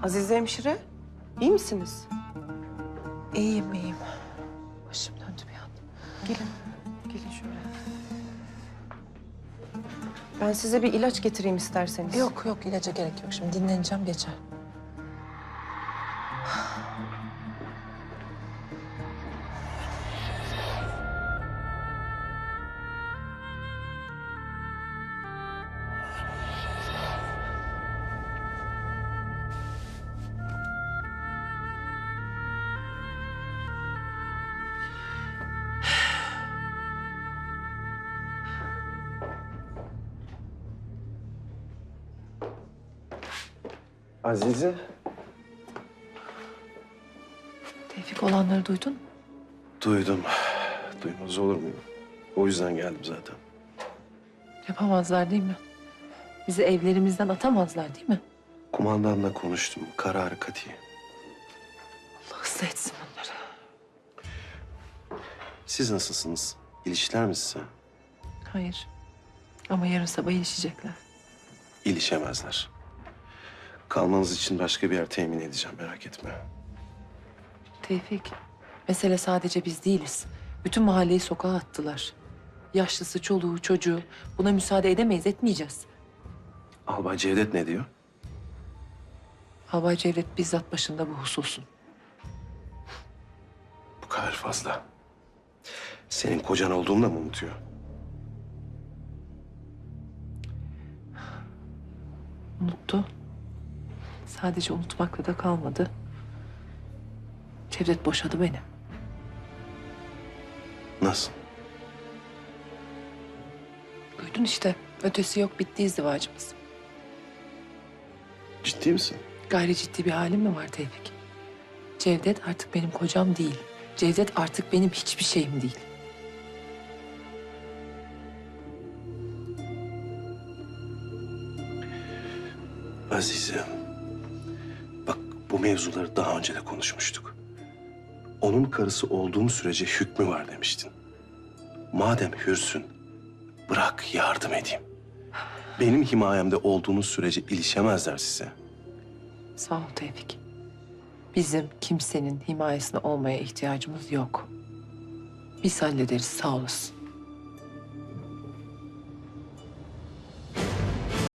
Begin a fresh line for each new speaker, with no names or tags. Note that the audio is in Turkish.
Azize hemşire, iyi misiniz?
İyiyim, iyiyim. Başım döndü bir an.
Gelin, gelin şöyle. Ben size bir ilaç getireyim isterseniz.
Yok yok, ilaca gerek yok. Şimdi dinleneceğim, geçer.
Azize.
Tevfik, olanları duydun mu?
Duydum. Duymaz olur muyum? O yüzden geldim zaten.
Yapamazlar değil mi? Bizi evlerimizden atamazlar değil mi?
Kumandanla konuştum. Kararı kati.
Allah ıslah etsin onları.
Siz nasılsınız? İlişkiler mi size?
Hayır. Ama yarın sabah ilişecekler.
İlişemezler. Kalmanız için başka bir yer temin edeceğim. Merak etme.
Tevfik, mesele sadece biz değiliz. Bütün mahalleyi sokağa attılar. Yaşlısı, çoluğu, çocuğu. Buna müsaade edemeyiz, etmeyeceğiz.
Albay Cevdet ne diyor?
Albay Cevdet bizzat başında bu hususun.
Bu kadar fazla. Senin kocan olduğumu da mı unutuyor?
Unuttu. Sadece unutmakla da kalmadı. Cevdet boşadı beni.
Nasıl?
Duydun işte. Ötesi yok, bitti izdivacımız.
Ciddi misin?
Gayri ciddi bir halim mi var Tevfik? Cevdet artık benim kocam değil. Cevdet artık benim hiçbir şeyim değil.
Azize. Bak bu mevzuları daha önce de konuşmuştuk. Onun karısı olduğum sürece hükmü var demiştin. Madem hürsün, bırak yardım edeyim. Benim himayemde olduğunuz sürece ilişemezler size.
Sağ ol Tevfik. Bizim kimsenin himayesine olmaya ihtiyacımız yok. Biz hallederiz, sağ olasın.